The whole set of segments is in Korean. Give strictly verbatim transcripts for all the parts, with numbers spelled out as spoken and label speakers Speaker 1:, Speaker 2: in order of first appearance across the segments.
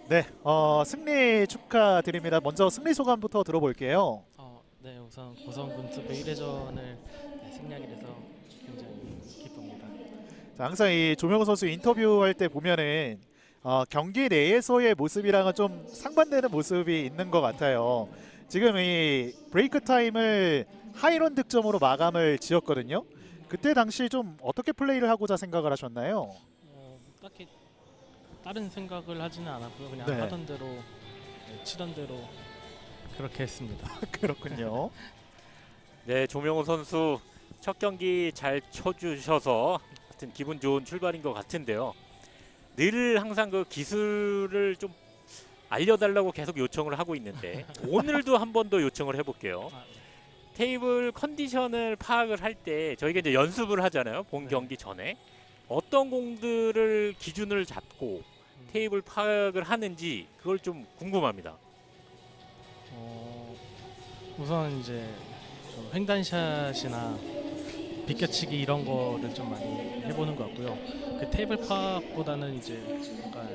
Speaker 1: 네, 어, 승리 축하드립니다. 먼저 승리 소감부터 들어볼게요.
Speaker 2: 어, 네, 우선 고성군 투 일 회전을 네, 승리하게 돼서 굉장히 기쁩니다.
Speaker 1: 자, 항상 이 조명호 선수 인터뷰할 때 보면은 어, 경기 내에서의 모습이랑은 좀 상반되는 모습이 있는 것 같아요. 지금 이 브레이크 타임을 하이런 득점으로 마감을 지었거든요. 그때 당시 좀 어떻게 플레이를 하고자 생각을 하셨나요?
Speaker 2: 어, 딱히 다른 생각을 하지는 않았고요. 그냥
Speaker 1: 네,
Speaker 2: 하던 대로 네, 치던 대로 그렇게 했습니다.
Speaker 1: 그렇군요.
Speaker 3: 네, 조명호 선수 첫 경기 잘 쳐주셔서 하여튼 기분 좋은 출발인 것 같은데요. 늘 항상 그 기술을 좀 알려달라고 계속 요청을 하고 있는데 오늘도 한 번 더 요청을 해볼게요.
Speaker 2: 아,
Speaker 3: 테이블 컨디션을 파악을 할 때 저희가 이제 연습을 하잖아요. 본
Speaker 2: 네.
Speaker 3: 경기 전에 어떤 공들을 기준을 잡고
Speaker 2: 음,
Speaker 3: 테이블 파악을 하는지 그걸 좀 궁금합니다.
Speaker 2: 어, 우선 이제 좀 횡단샷이나 비껴치기 이런 거를 좀 많이 해보는 것 같고요. 그 테이블 파악보다는 이제 약간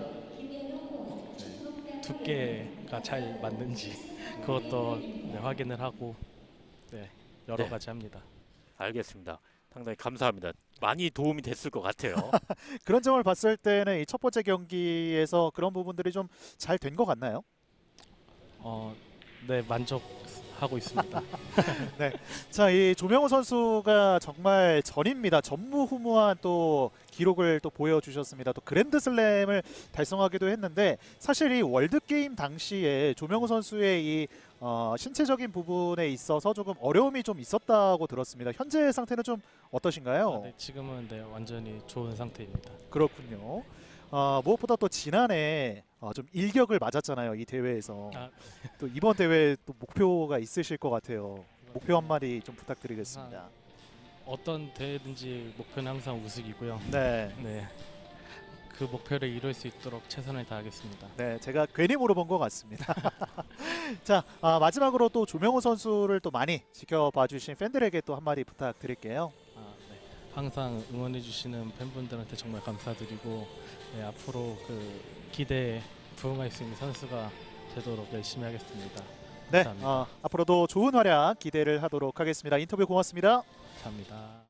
Speaker 2: 네, 두께가 잘 맞는지 그것도 네, 확인을 하고 네, 여러
Speaker 3: 네,
Speaker 2: 가지 합니다.
Speaker 3: 알겠습니다. 상당히 감사합니다. 많이 도움이 됐을 것 같아요.
Speaker 1: 그런 점을 봤을 때는 이 첫 번째 경기에서 그런 부분들이 좀 잘 된 것 같나요?
Speaker 2: 어, 네, 만족하고 있습니다.
Speaker 1: 네. 자, 이 조명호 선수가 정말 전입니다. 전무후무한 또 기록을 또 보여주셨습니다. 또 그랜드슬램을 달성하기도 했는데 사실 이 월드게임 당시에 조명호 선수의 이 어, 신체적인 부분에 있어서 조금 어려움이 좀 있었다고 들었습니다. 현재 상태는 좀
Speaker 2: 아,
Speaker 1: 어떠신가요?
Speaker 2: 네, 지금은 네, 완전히 좋은 상태입니다.
Speaker 1: 그렇군요. 어, 무엇보다 또 지난해 어, 좀 일격을 맞았잖아요. 이 대회에서.
Speaker 2: 아,
Speaker 1: 또 이번 대회 또 목표가 있으실 것 같아요. 목표
Speaker 2: 네,
Speaker 1: 한마디 좀
Speaker 2: 항상
Speaker 1: 부탁드리겠습니다.
Speaker 2: 어떤 대회든지 목표는 항상 우승이고요.
Speaker 1: 네,
Speaker 2: 네, 그 목표를 이룰 수 있도록 최선을 다하겠습니다.
Speaker 1: 네, 제가 괜히 물어본 것 같습니다. 자, 아, 마지막으로 또 조명호 선수를 또 많이 지켜봐주신 팬들에게 또 한마디 부탁드릴게요.
Speaker 2: 아, 네. 항상 응원해주시는 팬분들한테 정말 감사드리고 네, 앞으로 그 기대에 부응할 수 있는 선수가 되도록 열심히 하겠습니다.
Speaker 1: 네,
Speaker 2: 감사합니다.
Speaker 1: 어, 앞으로도 좋은 활약 기대를 하도록 하겠습니다. 인터뷰 고맙습니다.
Speaker 2: 감사합니다.